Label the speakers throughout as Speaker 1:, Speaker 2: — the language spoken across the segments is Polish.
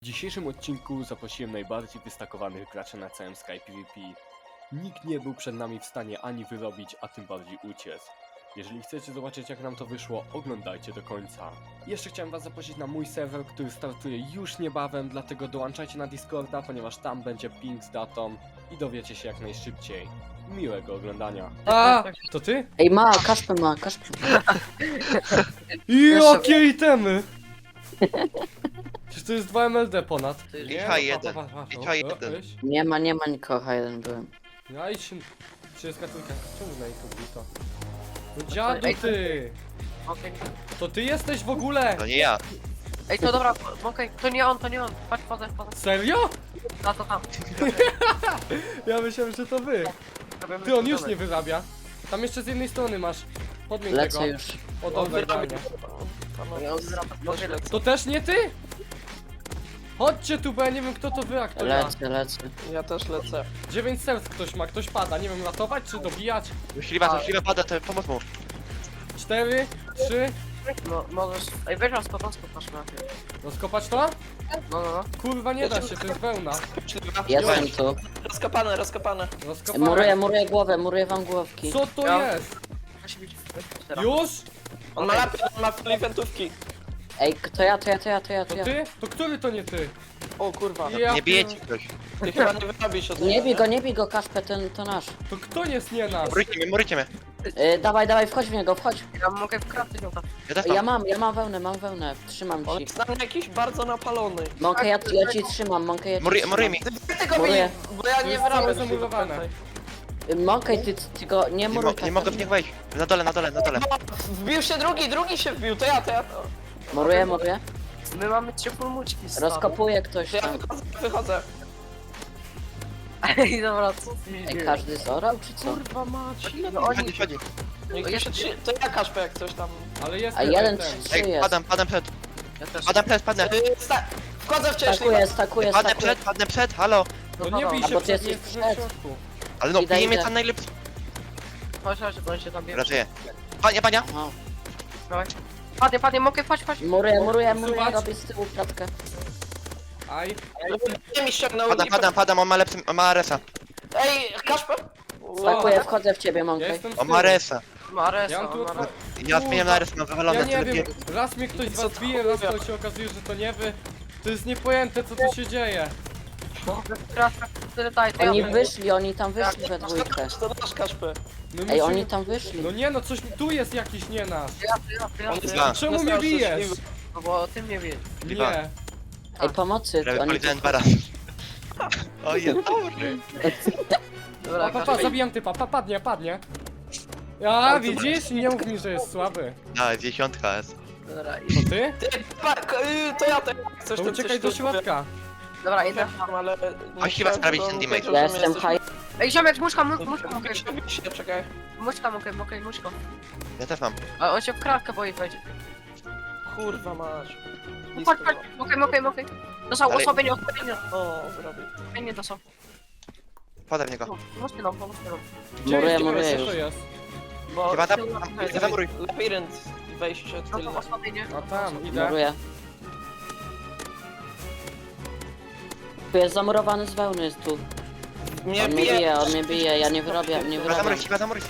Speaker 1: W dzisiejszym odcinku zaprosiłem najbardziej wystakowanych graczy na całym Sky PvP. Nikt nie był przed nami w stanie ani wyrobić, a tym bardziej uciec. Jeżeli chcecie zobaczyć jak nam to wyszło, oglądajcie do końca. Jeszcze chciałem was zaprosić na mój serwer, który startuje już niebawem, dlatego dołączajcie na Discorda, ponieważ tam będzie ping z datą i dowiecie się jak najszybciej. Miłego oglądania. A, to ty?
Speaker 2: Ej, Kaszper ma.
Speaker 1: Jakie itemy! Przecież to jest 2 MLD ponad.
Speaker 3: I H1. I H1.
Speaker 2: Nie ma nikogo, jeden byłem.
Speaker 1: Ja i się... 30 trójka. Czemu na YouTube to? No dziadu ty!
Speaker 4: Okej.
Speaker 1: To ty jesteś w ogóle!
Speaker 3: To nie ja.
Speaker 4: Ej, to dobra, okej, to nie on. Patrz, poza.
Speaker 1: Serio?
Speaker 4: Na to tam.
Speaker 1: Ja myślałem, że to wy. Ty, on już nie wyrabia. Tam jeszcze z jednej strony masz. Podmień tego.
Speaker 2: Lecę już.
Speaker 1: O, dobra, fajnie.
Speaker 4: Może
Speaker 1: To też nie ty? Chodźcie tu, bo ja nie wiem kto to wy, a kto ja.
Speaker 2: Lecę.
Speaker 5: Ja też lecę.
Speaker 1: 9 serc ktoś ma, ktoś pada. Nie wiem, ratować czy dobijać?
Speaker 3: Śliwa pada, to pomóc mu.
Speaker 1: 4, 3.
Speaker 4: No, możesz. Ej, weź raz po prostu, patrz na tym.
Speaker 1: Rozkopać to?
Speaker 4: No.
Speaker 1: Kurwa, nie da się, to jest wełna.
Speaker 2: Jestem tu.
Speaker 5: Rozkopane.
Speaker 1: Rozkopać.
Speaker 2: Muruję głowę, muruję wam głowki.
Speaker 1: Co to
Speaker 4: Ja-
Speaker 1: jest?
Speaker 4: Musi być. Teraz.
Speaker 1: Już?
Speaker 5: On ma lapy, on ma flipentówki.
Speaker 2: Ej, to ja.
Speaker 1: To ty? To który to nie ty?
Speaker 5: O kurwa.
Speaker 1: Ja
Speaker 3: Nie bijecie ktoś.
Speaker 5: Ty chyba nie wyrobisz od
Speaker 2: Nie bij go, Kaszper, to nasz.
Speaker 1: To kto jest nie nasz?
Speaker 3: Murujcie mnie.
Speaker 2: Dawaj, wchodź w niego, wchodź.
Speaker 4: Ja mogę w kratce ją tam.
Speaker 3: Ja też
Speaker 2: Ja
Speaker 3: mam.
Speaker 2: mam wełnę, trzymam
Speaker 5: On
Speaker 2: ci.
Speaker 5: jest na mnie jakiś bardzo napalony.
Speaker 2: Mąkę ja ci trzymam, mąkę ja ci
Speaker 3: Muruj mi.
Speaker 5: Tego
Speaker 2: Muruję.
Speaker 5: bo ja
Speaker 1: To
Speaker 5: nie
Speaker 1: jest całe
Speaker 5: wyrobię.
Speaker 1: zamurowane.
Speaker 2: Mąkę ty go nie muruj
Speaker 3: Nie mogę w nich wejść. Na dole.
Speaker 5: Wbił się drugi się wbił, to ja.
Speaker 2: Muruję.
Speaker 4: My mamy 3 pulmuczki.
Speaker 2: Rozkopuje ktoś
Speaker 5: To ja
Speaker 2: tam.
Speaker 5: wychodzę.
Speaker 4: Ej, dobra, co ty
Speaker 2: Ej, każdy zorał, czy co?
Speaker 5: Kurwa mać.
Speaker 4: No oni.
Speaker 3: Chodzi.
Speaker 5: Niech tu się to ja Kaszpę jak coś tam.
Speaker 1: Ale jest
Speaker 2: A
Speaker 1: jeden
Speaker 2: jeden
Speaker 1: ten.
Speaker 2: 3
Speaker 3: Ej,
Speaker 2: jest.
Speaker 3: padam przed.
Speaker 4: Ja też.
Speaker 3: Padnę.
Speaker 5: Wchodzę wcześniej.
Speaker 2: Stakuję.
Speaker 3: Padnę przed, halo.
Speaker 1: No nie bij
Speaker 2: A
Speaker 1: się,
Speaker 2: bo ty
Speaker 1: przed,
Speaker 2: jesteś
Speaker 1: jest w
Speaker 2: przed.
Speaker 1: środku.
Speaker 3: Ale no,
Speaker 2: Idę.
Speaker 3: bije mnie tam najlepszy.
Speaker 4: Chodź, bo on się tam bierze.
Speaker 3: Raczej. Pania.
Speaker 2: Aha.
Speaker 4: Padnie, mogę, chodź.
Speaker 2: Muruję,
Speaker 1: Zobacz.
Speaker 2: robię z tyłu kratkę.
Speaker 1: Aj.
Speaker 5: Nie mi ściągnął.
Speaker 3: Padam, on ma lepszy, ma resa.
Speaker 5: Ej, Kaszpę?
Speaker 2: Stakuję, wchodzę w ciebie,
Speaker 1: Ja
Speaker 2: mąkę.
Speaker 1: jestem z
Speaker 3: On
Speaker 1: tyłu.
Speaker 3: ma resa.
Speaker 4: Maresa,
Speaker 1: Ja mam tu...
Speaker 3: Ja zmieniam na res, mam
Speaker 1: Ja
Speaker 3: wywalone,
Speaker 1: nie
Speaker 3: tyle
Speaker 1: wiem,
Speaker 3: bije.
Speaker 1: raz mnie ktoś z was bije, raz to się okazuje, że to nie wy. To jest niepojęte co tu się dzieje.
Speaker 4: Tyle daj, to
Speaker 2: Oni
Speaker 4: ja
Speaker 2: wyszli, oni tam wyszli we dwójkę.
Speaker 5: To nasz Kaszpę.
Speaker 1: My
Speaker 2: Ej,
Speaker 1: musimy...
Speaker 2: oni tam wyszli.
Speaker 1: No nie no, coś tu jest jakiś nie nasz.
Speaker 4: Ja.
Speaker 3: Zna.
Speaker 1: Czemu mnie
Speaker 5: Nasz
Speaker 1: bijesz?
Speaker 5: szczęśliwy.
Speaker 4: No bo ty mnie wiesz.
Speaker 3: Liwa.
Speaker 1: Nie.
Speaker 2: Ej, pomocy,
Speaker 3: Prawie
Speaker 2: oni
Speaker 3: polizałem
Speaker 2: tu
Speaker 3: 2 razy. O jest dobry.
Speaker 4: Dobra,
Speaker 1: Pa, zabijam typa, padnie. Ja, widzisz? Nie mów mi, że jest słaby.
Speaker 3: A, 10 jest.
Speaker 4: Dobra,
Speaker 1: To ty?
Speaker 5: To ja coś
Speaker 1: To
Speaker 5: tam
Speaker 1: uciekaj
Speaker 5: coś
Speaker 1: do środka.
Speaker 4: dobra, idę.
Speaker 5: Ale...
Speaker 3: Chodź chyba sprawić ten damage.
Speaker 2: Ja jestem high.
Speaker 4: Ej, ziomek, muszka, mogę.
Speaker 5: Czekaj.
Speaker 4: Muszka.
Speaker 3: Ja też mam.
Speaker 4: A on się w kratkę boi wejdzie.
Speaker 5: Kurwa masz.
Speaker 4: Chodź, mogę. To są
Speaker 3: Ale-
Speaker 4: osłabienie.
Speaker 5: O, zrobię.
Speaker 4: Osłabienie to są.
Speaker 3: Podaj w niego.
Speaker 4: Pomóżcie nam.
Speaker 1: Gdzie
Speaker 2: Muruję,
Speaker 1: jest,
Speaker 2: muruję
Speaker 1: co
Speaker 2: już.
Speaker 1: to jest?
Speaker 5: Bo...
Speaker 3: Chyba tam, zamuruj.
Speaker 5: Labirynt. Wejście
Speaker 4: No
Speaker 5: tylne.
Speaker 4: to osłabienie.
Speaker 1: A tam, idę.
Speaker 2: Muruję. Tu jest zamurowany z wełny, jest tu.
Speaker 5: Mnie
Speaker 2: On mnie bije, ja nie wyrobię, nie wyrobię.
Speaker 3: Zamuruj.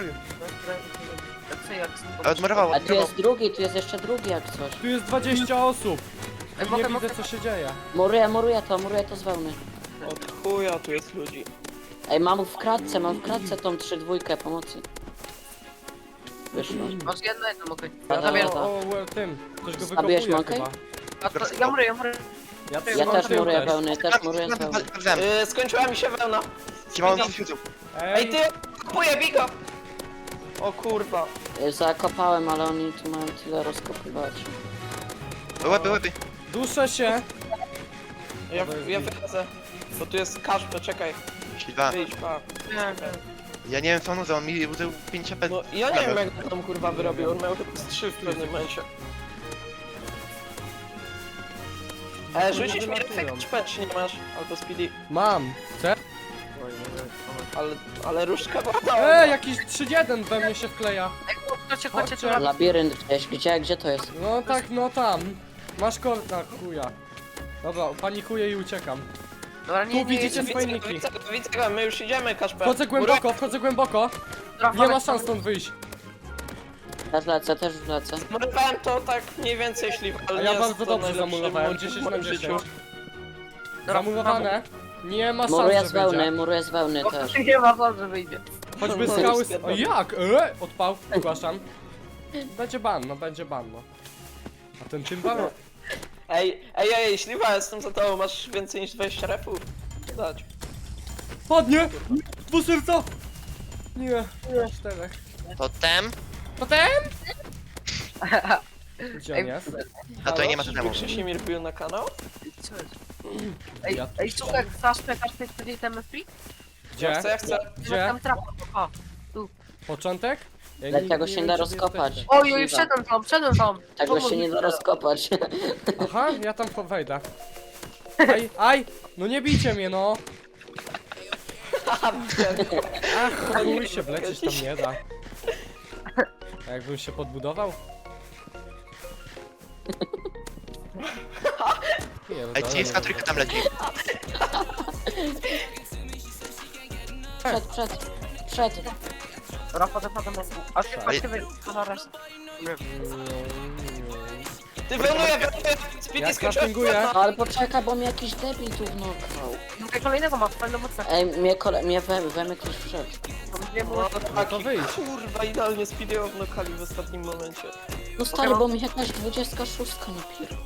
Speaker 4: Jak
Speaker 3: Odmurował.
Speaker 2: A tu jest jeszcze drugi jak coś.
Speaker 1: Tu jest 20 osób.
Speaker 4: Ej,
Speaker 1: Nie
Speaker 4: mogę.
Speaker 1: widzę co się dzieje.
Speaker 2: Muruję to z wełny.
Speaker 5: Od chuja tu jest ludzi.
Speaker 2: Ej, mam w kratce tą 3-2 pomocy. Wyszło.
Speaker 4: Masz jedno mogę.
Speaker 2: Dobra,
Speaker 4: Zabieram.
Speaker 2: dobra.
Speaker 1: O, tym. Ktoś go
Speaker 2: Zabierz
Speaker 1: wykopuje
Speaker 2: mąkę?
Speaker 1: chyba.
Speaker 4: A to, ja muruję.
Speaker 2: Ja
Speaker 1: mam
Speaker 2: też
Speaker 1: tył
Speaker 2: muruję wełny, też muruję z wełny.
Speaker 3: Sprawdzałem.
Speaker 5: Skończyła mi się wełna.
Speaker 3: Ci mam świecą.
Speaker 5: Ej
Speaker 1: Ej,
Speaker 5: ty! Kupuję biga! O kurwa.
Speaker 2: Zakopałem, ale oni tu mają tyle rozkopywać.
Speaker 3: Łeby.
Speaker 1: duszę się.
Speaker 5: Ja wychodzę. Bo tu jest Kaszpę, czekaj.
Speaker 3: Śliwa.
Speaker 5: Wyjdź, pa.
Speaker 3: Ja nie wiem co on użył, on mi użył 5 HP.
Speaker 5: No ja nie wiem jak on tam kurwa wyrobił, on miał chyba z 3 w pewnym momencie. Rzucisz mi efekt szpet, czy nie masz? Albo speedy.
Speaker 1: Mam. Chcę?
Speaker 5: Ale różdżka była
Speaker 1: Jakiś 3-1 we mnie się wkleja.
Speaker 4: Chodźcie,
Speaker 1: Chodźcie.
Speaker 2: Labirynt gdzieś, gdzie to jest?
Speaker 1: No tak, no tam. Masz korta, chuja. Dobra, panikuję i uciekam.
Speaker 4: Dobra, nie,
Speaker 1: Tu widzicie
Speaker 4: nie,
Speaker 1: swoje niki.
Speaker 5: Widzę go, my już idziemy, Kaszper.
Speaker 1: Wchodzę głęboko, wchodzę głęboko.
Speaker 4: Dobra,
Speaker 1: Nie ma
Speaker 4: Tomek,
Speaker 1: szans stąd wyjść.
Speaker 2: Też lecę, też lecę.
Speaker 5: Murowałem to tak mniej więcej śliwa, ale
Speaker 1: A
Speaker 5: nie
Speaker 1: ja
Speaker 5: jest
Speaker 1: bardzo
Speaker 5: to
Speaker 1: dobrze
Speaker 5: najlepszy
Speaker 1: zamurowałem,
Speaker 5: mur
Speaker 1: 10
Speaker 5: w
Speaker 1: na
Speaker 5: moim
Speaker 1: 10.
Speaker 5: życiu.
Speaker 4: Dobra,
Speaker 1: Zamurowane. Nie ma szans,
Speaker 2: Muruję
Speaker 1: że
Speaker 2: z wełny,
Speaker 1: wyjdzie.
Speaker 2: muruję z wełny też.
Speaker 4: Nie ma szans, że wyjdzie.
Speaker 1: Choćby
Speaker 5: No,
Speaker 1: skały...
Speaker 5: jest
Speaker 1: O jak? Odpał, zgłaszam. Będzie ban, no będzie ban, no. A ten tymbal?
Speaker 5: Ej, śliwa, jestem za tobą, masz więcej niż 20 refów. Dać.
Speaker 1: Padnie! Dwuserca! Nie, czterech.
Speaker 3: Totem?
Speaker 1: Potem? Gdzie on
Speaker 4: Ej,
Speaker 1: jest?
Speaker 3: A to nie ma totemu.
Speaker 5: Krzysimir wbił na kanał?
Speaker 4: Co jest? Ej,
Speaker 1: Ja
Speaker 4: ej,
Speaker 1: tu
Speaker 4: słuchaj, Kaszper, powiedzieć ten free?
Speaker 1: Gdzie?
Speaker 5: Ja chcę.
Speaker 1: Gdzie?
Speaker 4: Tam trapa. O,
Speaker 1: Początek? Ja
Speaker 2: Ale
Speaker 1: nie-
Speaker 2: tego
Speaker 1: nie
Speaker 2: się
Speaker 1: wiem,
Speaker 2: da
Speaker 1: gdzie wy
Speaker 2: rozkopać.
Speaker 1: jesteście.
Speaker 4: oj, oj, wszedłem tam.
Speaker 2: Tego
Speaker 4: Pomóż
Speaker 2: się
Speaker 4: mi
Speaker 2: nie da
Speaker 4: teraz.
Speaker 2: rozkopać.
Speaker 1: Aha, ja tam wejdę. Aj! No nie bijcie mnie, no! Ach, chuj się wlecieć tam nie da. A jakbym się podbudował?
Speaker 3: Ej, ciska trójka tam leci.
Speaker 2: Przed.
Speaker 4: Rafa, zapadam na A ty
Speaker 3: Ej.
Speaker 4: patrzcie, zaraz.
Speaker 5: Ty wełnuję! Speedy
Speaker 1: Ja
Speaker 5: skoczyłem.
Speaker 1: craftinguję.
Speaker 2: No ale poczekaj, bo mnie jakiś debil tu wnukał.
Speaker 4: Mówię, kolejnego masz, fajną mocno.
Speaker 2: Ej, mnie we ktoś wszedł.
Speaker 1: No to wyjdź.
Speaker 5: Kurwa, idealnie Speedy wnukali w ostatnim momencie.
Speaker 2: No stary, bo mi jakaś 26 napier.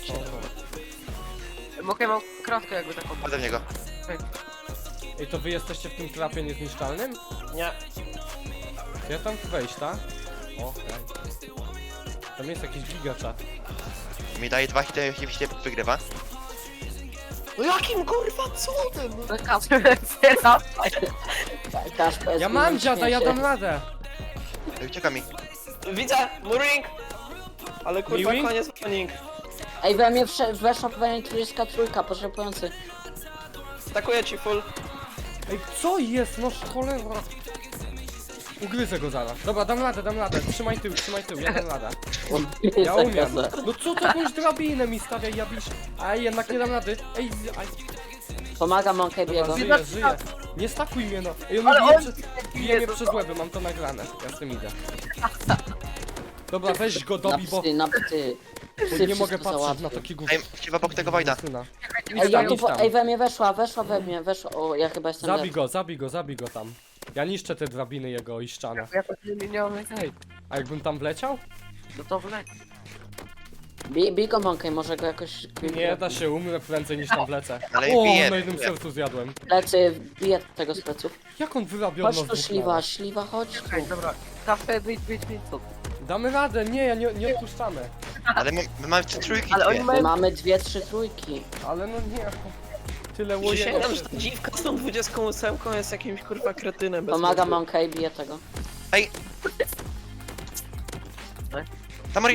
Speaker 4: Mogę mam kratkę jakby taką.
Speaker 3: Chodzę w niego.
Speaker 1: Ej, to wy jesteście w tym trapie niezniszczalnym?
Speaker 5: Nie.
Speaker 1: Ja tam wejść, tak? O, hej. Tam jest jakiś gigaczat.
Speaker 3: Mi daje 2 hity i się wygrywa.
Speaker 5: No jakim kurwa cudem?
Speaker 4: Kaszper,
Speaker 2: Kaszper,
Speaker 1: Ja mam dziada, ja dam radę!
Speaker 3: Ej, ucieka mi.
Speaker 5: Widzę, muring! Ale kurwa,
Speaker 1: Miwing?
Speaker 5: koniec muring.
Speaker 2: Ej, we mnie weszła pewnie 33, potrzebujący.
Speaker 5: Stakuję ci full.
Speaker 1: Ej, co jest? No cholera! Ugryzę go zaraz. Dobra, dam radę. Trzymaj tył, ja dam radę. Ja umiem. No co to jakąś drabinę mi stawia, ja bisz. Ej, jednak nie dam rady. Ej, aj.
Speaker 2: Pomagam Monkey
Speaker 1: Dobra,
Speaker 2: biego.
Speaker 1: żyję. Nie stakuj mnie, no. Ej, on
Speaker 4: Ale
Speaker 1: bije,
Speaker 4: on-
Speaker 1: bije mnie przez łeby, mam to nagrane. Ja z tym idę. Dobra, weź go dobij, bo
Speaker 2: Na psy.
Speaker 1: bo nie mogę patrzeć na taki gówno.
Speaker 3: Ej, chciwa obok tego Wojda.
Speaker 1: syna.
Speaker 2: Ej, ja tu
Speaker 1: Idź tam.
Speaker 2: ej, we mnie weszła we mnie. O, ja chyba jestem
Speaker 1: Zabij go tam. Ja niszczę te drabiny jego i ściana.
Speaker 4: Ja to nie mam hej.
Speaker 1: A jakbym tam wleciał?
Speaker 4: No to wleć.
Speaker 2: Bij go Monkey, może go jakoś...
Speaker 1: Nie da się, umrę prędzej niż tam wlecę.
Speaker 3: Ale
Speaker 1: O,
Speaker 3: bije.
Speaker 1: na jednym sercu zjadłem.
Speaker 2: Plecy, biję tego z pleców.
Speaker 1: Jak on wyrabiał
Speaker 2: Chodź tu śliwa, chodź tu.
Speaker 4: Ej, dobra. Kaszper, wyjdź tu.
Speaker 1: Damy radę, nie, nie odpuszczamy.
Speaker 3: Ale my mamy 3 trójki
Speaker 4: Ale oni
Speaker 3: dwie.
Speaker 4: mają...
Speaker 2: Mamy 2-3 trójki.
Speaker 1: Ale no nie. Tyle łojego.
Speaker 5: Przysięgam, że ta dziwka z tą 28 jest jakimś kurwa kretynem bez
Speaker 2: Pomagam
Speaker 5: mózgu.
Speaker 2: Monkey, biję tego.
Speaker 3: Tamori!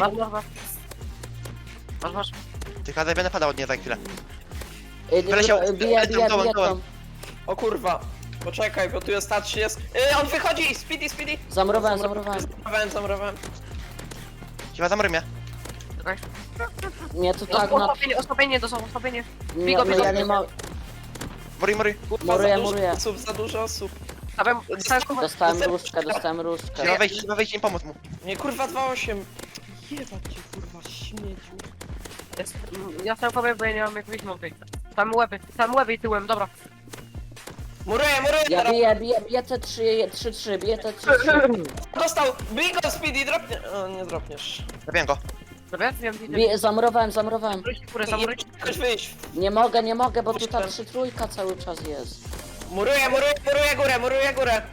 Speaker 4: Masz.
Speaker 3: Tylko ja będę padał od niej za chwilę.
Speaker 2: Ej,
Speaker 3: Wyleciał,
Speaker 2: Biję
Speaker 3: dołem.
Speaker 2: tą.
Speaker 5: O kurwa. Poczekaj, bo tu jest ta 30. On wychodzi! Speedy!
Speaker 2: Zamurowałem.
Speaker 5: Zamurowałem.
Speaker 3: Chciwa zamory mnie.
Speaker 2: Nie, to tak na...
Speaker 4: Osłabienie, to są osłabienie.
Speaker 2: Nie,
Speaker 4: Bigo,
Speaker 2: no ja nie mam...
Speaker 3: Mori.
Speaker 5: Kurwa,
Speaker 2: Muruję.
Speaker 5: za dużo osób.
Speaker 4: Stawiam...
Speaker 2: Dostałem różdżkę.
Speaker 3: Chciwa wejść i pomóc mu.
Speaker 5: Nie, kurwa 2-8. Jebać cię, kurwa, śmieciu.
Speaker 4: Ja sam powiem, bo ja nie mam jak wyjść mąkej. Tam łeby i tyłem, dobra.
Speaker 5: Muruję
Speaker 2: Ja
Speaker 5: teraz.
Speaker 2: biję te 3-3, biję te 3-3.
Speaker 5: Dostał! Bij go, Speedy, dropnie. O, nie dropniesz.
Speaker 3: Zabiłem go.
Speaker 4: Dobra, wiem,
Speaker 2: Zamurowałem.
Speaker 5: Chcesz wyjść.
Speaker 2: Nie mogę, bo tu ta 3-3 cały czas jest.
Speaker 5: Muruję górę.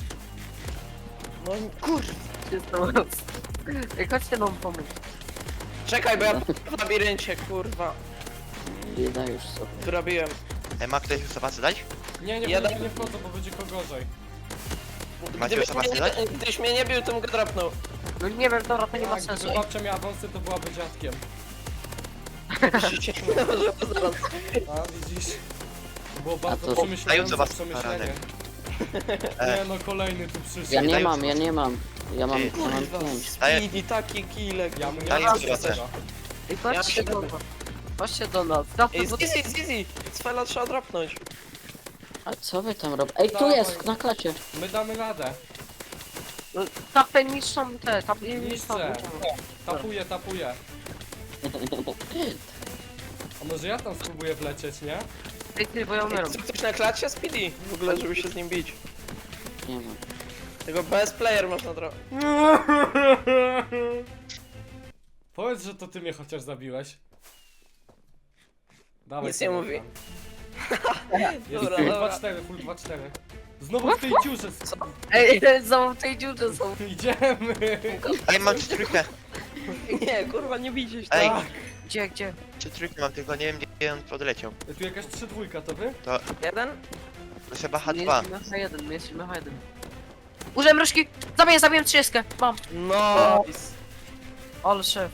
Speaker 5: No kurwa.
Speaker 4: Ej, chodźcie nam pomóc.
Speaker 5: Czekaj, bo ja w labiryncie, kurwa.
Speaker 2: Bieda już sobie.
Speaker 5: Tu robiłem.
Speaker 3: Ej, ma ktoś sobacy dać?
Speaker 1: Nie wchodzę, bo będzie go gorzej.
Speaker 3: Macie już sobacy dać?
Speaker 5: Gdybyś mnie nie bił, to bym go dropnął.
Speaker 4: No nie wiem, dobra, to nie ma
Speaker 1: Tak,
Speaker 4: sensu.
Speaker 1: gdyby babcia miała wąsy, to byłaby dziadkiem. A, widzisz? To było bardzo
Speaker 2: to-
Speaker 1: przemyślane
Speaker 3: Dają was
Speaker 1: przemyślenie.
Speaker 3: E.
Speaker 1: Nie no, kolejny tu przyszedł.
Speaker 2: Ja nie
Speaker 3: Daję
Speaker 2: mam.
Speaker 3: Ty.
Speaker 2: Ja mam
Speaker 5: Kurwa,
Speaker 2: 5.
Speaker 5: Speedy, taki killek.
Speaker 1: Ja mu nie
Speaker 3: Daję
Speaker 1: dam
Speaker 3: zobaczę.
Speaker 1: tego.
Speaker 4: Ej, patrzcie,
Speaker 5: Ja-
Speaker 4: dobra. Chodźcie do nas. Dawaj,
Speaker 5: Ej,
Speaker 4: bo...
Speaker 5: z easy. Cfela trzeba dropnąć.
Speaker 2: A co wy tam robicie? Ej, tu
Speaker 1: Dawaj.
Speaker 2: jest, na klacie.
Speaker 1: My damy radę.
Speaker 4: Tapy niszczą te, tapy niszczą.
Speaker 1: Niszczę. Tapuję. A może ja tam spróbuję wlecieć, nie?
Speaker 4: Ej, ty, bo ja umieram.
Speaker 5: Zrób coś na klacie Speedy. W ogóle, żeby się z nim bić.
Speaker 2: Nie wiem.
Speaker 5: Tego best player można dropnąć.
Speaker 1: Powiedz, że to ty mnie chociaż zabiłeś. Dawaj.
Speaker 5: Nic nie
Speaker 1: sobie
Speaker 5: mówi.
Speaker 1: tam. Jest
Speaker 5: Dobra,
Speaker 1: full
Speaker 5: dobra.
Speaker 1: 2-4, full 2-4. Znowu w tej dziurze.
Speaker 4: Ej, znowu w tej dziurze są.
Speaker 1: Idziemy.
Speaker 3: Ej, mam 3-3.
Speaker 5: Nie, kurwa, nie bijcie się.
Speaker 3: Ej,
Speaker 1: Tak.
Speaker 4: Gdzie?
Speaker 3: 3-3 mam, tylko nie wiem gdzie on odleciał.
Speaker 1: Tu jakaś 3-2 to wy?
Speaker 5: Jeden?
Speaker 3: To chyba
Speaker 4: My
Speaker 3: H2.
Speaker 4: jesteśmy H1, my jesteśmy H1. Użyłem różki! Zabiję 30. Mam.
Speaker 5: No.
Speaker 4: Ale szef.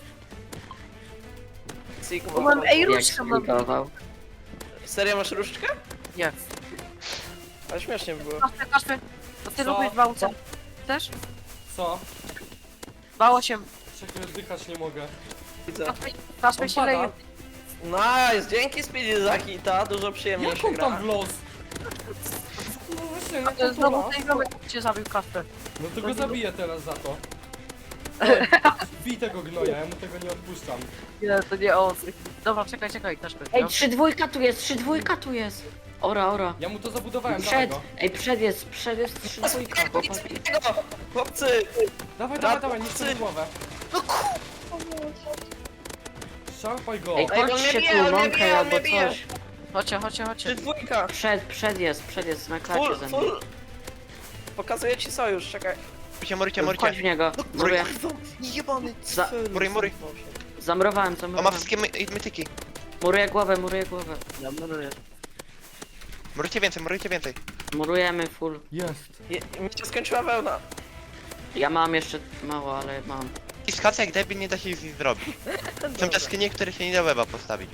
Speaker 5: Sigma.
Speaker 4: Mam, ej,
Speaker 2: Jak
Speaker 4: różkę mam.
Speaker 2: zbudował.
Speaker 5: Serio masz różdżkę?
Speaker 4: Nie.
Speaker 5: Ale śmiesznie by było.
Speaker 4: Kaszpy. To ty
Speaker 1: Co?
Speaker 4: lubisz bałce. Chcesz?
Speaker 1: Co?
Speaker 4: Bało się.
Speaker 1: Czekaj, oddychać nie mogę.
Speaker 5: Widzę.
Speaker 4: Kaszpy
Speaker 1: On
Speaker 4: się
Speaker 1: pada.
Speaker 4: leje.
Speaker 5: Nice, dzięki Speedy za hita, dużo przyjemniej
Speaker 1: Jak
Speaker 5: się
Speaker 1: on tam
Speaker 5: gra.
Speaker 1: w los? No właśnie, no
Speaker 4: To
Speaker 1: to
Speaker 4: jest znowu
Speaker 1: to
Speaker 4: tej ziomek cię zabił Kaszpy.
Speaker 1: No to go zabiję teraz za to. Bij tego gnoja, ja mu tego nie odpuszczam.
Speaker 4: Nie, to nie on. Dobra, czekaj, Kaszpy.
Speaker 2: Ej, 3-2 tu jest, 3-2 tu jest. Ora.
Speaker 1: Ja mu to zabudowałem, dawaj
Speaker 2: Przed,
Speaker 1: go.
Speaker 2: ej, przed jest 3-2, chłopaki.
Speaker 5: Speedy'ego! Chłopcy!
Speaker 1: Dawaj, niszczy mu głowę.
Speaker 5: No
Speaker 1: Szarpaj go.
Speaker 2: Ej,
Speaker 5: Ej, on
Speaker 2: chodźcie
Speaker 5: mnie
Speaker 2: tu,
Speaker 5: bije, on mnie
Speaker 2: mąkę
Speaker 5: bije, on
Speaker 2: albo
Speaker 5: mnie bije.
Speaker 2: coś.
Speaker 4: Chodźcie.
Speaker 5: Dwójka!
Speaker 2: Przed jest, na klacie
Speaker 5: Full,
Speaker 2: ze mną.
Speaker 5: full! Pokazuję ci sojusz, czekaj.
Speaker 3: Morcie.
Speaker 2: Chodź w niego, muruję.
Speaker 5: Jebany
Speaker 2: Za-
Speaker 3: Mury.
Speaker 2: Zamrowałem.
Speaker 3: O, ma wszystkie mytyki.
Speaker 2: Muruję głowę.
Speaker 4: Ja maluję.
Speaker 3: Murujcie więcej.
Speaker 2: Murujemy full.
Speaker 1: Jest.
Speaker 5: Mi się skończyła wełna.
Speaker 2: Ja mam jeszcze mało, ale mam.
Speaker 3: I skaca jak debil nie da się nic zrobić. Są jaskinie, które się nie da weba postawić.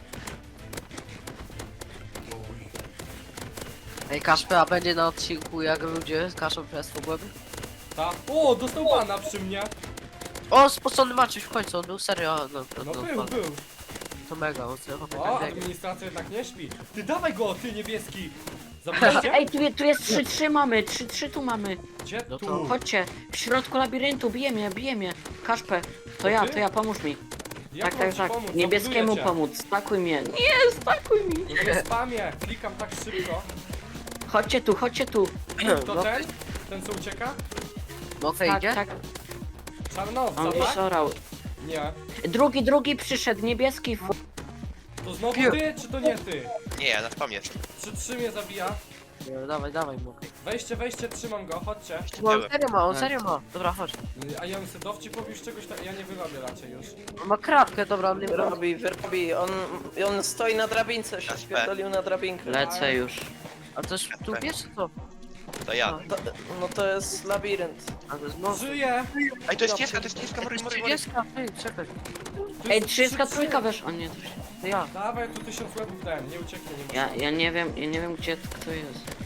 Speaker 4: Ej, Kaszpy, a będzie na odcinku jak ludzie kaszą przez głębi?
Speaker 1: Ta. O, dostał bana przy mnie.
Speaker 4: O, spocony Maciuś w końcu, on był serio,
Speaker 1: No był.
Speaker 4: to mega, on sobie chłopie
Speaker 1: O,
Speaker 4: tak biega.
Speaker 1: administracja jednak nie śpi. Ty dawaj go, ty niebieski. Zabraliście?
Speaker 2: Ej, tu jest 3-3 mamy, 3-3 tu mamy.
Speaker 1: Gdzie
Speaker 4: No to-
Speaker 1: tu?
Speaker 2: Chodźcie, w środku labiryntu, bije mnie. Kaszpę, to
Speaker 1: ty?
Speaker 2: ja, pomóż mi.
Speaker 1: Jak mam
Speaker 2: Tak,
Speaker 1: ci pomóc?
Speaker 2: niebieskiemu
Speaker 1: Zabuduję cię.
Speaker 2: pomóc, stakuj mnie. Nie, stakuj mi.
Speaker 1: No nie spamię, klikam tak szybko.
Speaker 2: Chodźcie tu.
Speaker 1: To
Speaker 4: No,
Speaker 1: ten co ucieka?
Speaker 4: Mokre idzie?
Speaker 2: Tak,
Speaker 1: Czarnowca,
Speaker 2: on
Speaker 1: tak?
Speaker 2: szorał.
Speaker 1: Nie.
Speaker 2: Drugi przyszedł, niebieski.
Speaker 1: To znowu
Speaker 4: Piu.
Speaker 1: ty, czy to nie ty?
Speaker 3: Nie, ja na spam jest.
Speaker 1: 3-3 mnie zabija.
Speaker 4: Dawaj, mokre.
Speaker 1: Wejście, trzymam go, chodźcie.
Speaker 4: Bo on serio ma. Dobra, chodź.
Speaker 1: A ja bym sobie dowcip pobił z czegoś tak, ja nie wyrobię raczej już.
Speaker 4: On ma kratkę, dobra, on nie robi.
Speaker 5: Wyrobi. On stoi na drabince, się
Speaker 3: Jasne.
Speaker 5: spierdolił na drabinkę.
Speaker 2: Lecę już.
Speaker 4: A to jest tu wiesz czy co?
Speaker 3: To ja.
Speaker 5: No to jest labirynt.
Speaker 4: A to jest most.
Speaker 1: Żyję!
Speaker 3: Ej, to jest cieska, mury.
Speaker 4: 30, ty, czekaj.
Speaker 1: To
Speaker 2: Ej,
Speaker 1: jest
Speaker 2: 33 wiesz, o nie, to się...
Speaker 4: To ja.
Speaker 1: Dawaj, tu 1000 łebów dałem, nie ucieknie, nie ma.
Speaker 2: Ja nie wiem gdzie kto jest.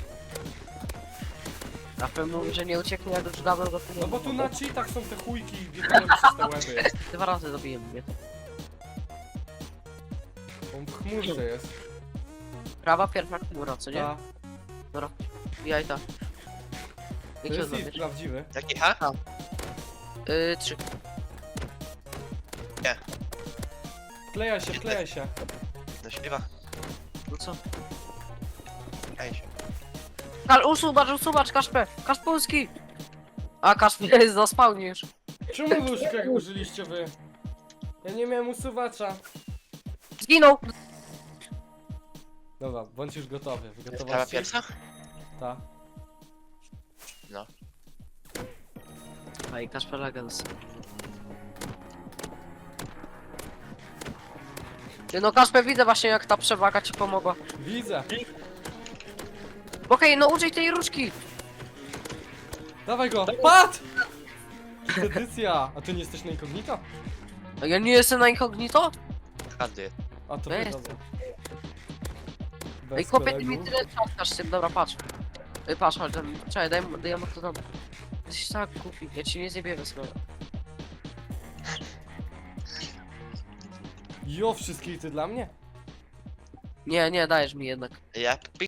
Speaker 4: Na pewno mówi, że nie ucieknie, jak już dawno go tu nie
Speaker 1: No bo
Speaker 4: ma.
Speaker 1: tu na cheatach są te chujki i biegają przez te łeby.
Speaker 4: 2 razy zabiję mnie.
Speaker 1: On w chmurce jest.
Speaker 4: Prawa, pierwsza chmura, co nie?
Speaker 1: Ta.
Speaker 4: Dobra, jajta.
Speaker 1: To
Speaker 4: Jakie
Speaker 1: jest ich
Speaker 4: odbierz?
Speaker 1: prawdziwy.
Speaker 3: Jaki H?
Speaker 4: 3.
Speaker 1: Wkleja się.
Speaker 3: No śpiewa.
Speaker 4: No co?
Speaker 3: Ej,
Speaker 4: Usuwacz, Kaszpę! Kaszpulski! A, Kaszpę jest za spawnisz.
Speaker 1: Czemu różkę użyliście wy? Ja nie miałem usuwacza.
Speaker 4: Zginął!
Speaker 1: Dobra, bądź już gotowy.
Speaker 3: sprawa
Speaker 1: Wygotowałaś się?
Speaker 3: pierwsza?
Speaker 1: Ta.
Speaker 3: No.
Speaker 4: Ej, Kaszpę Legends. Ty no Kaszpę, widzę właśnie jak ta przewaga ci pomogła.
Speaker 1: Widzę.
Speaker 4: Okej, no użyj tej różki!
Speaker 1: Dawaj go. Pat! Edycja. A ty nie jesteś na incognito?
Speaker 4: A ja nie jestem na incognito?
Speaker 3: Każdy.
Speaker 1: A to
Speaker 4: Bez.
Speaker 1: wychodzę. Bez
Speaker 4: Ej, chłopie, ty
Speaker 1: kolegów.
Speaker 4: mi tyle czapkasz tym, dobra, patrz. Patrz, chodź, czekaj, daj mu to tam. Jesteś tak głupi, ja ci nie zjebiemy sobie.
Speaker 1: Jo, wszystkich ty dla mnie?
Speaker 4: Nie, nie, dajesz mi jednak.
Speaker 3: Ja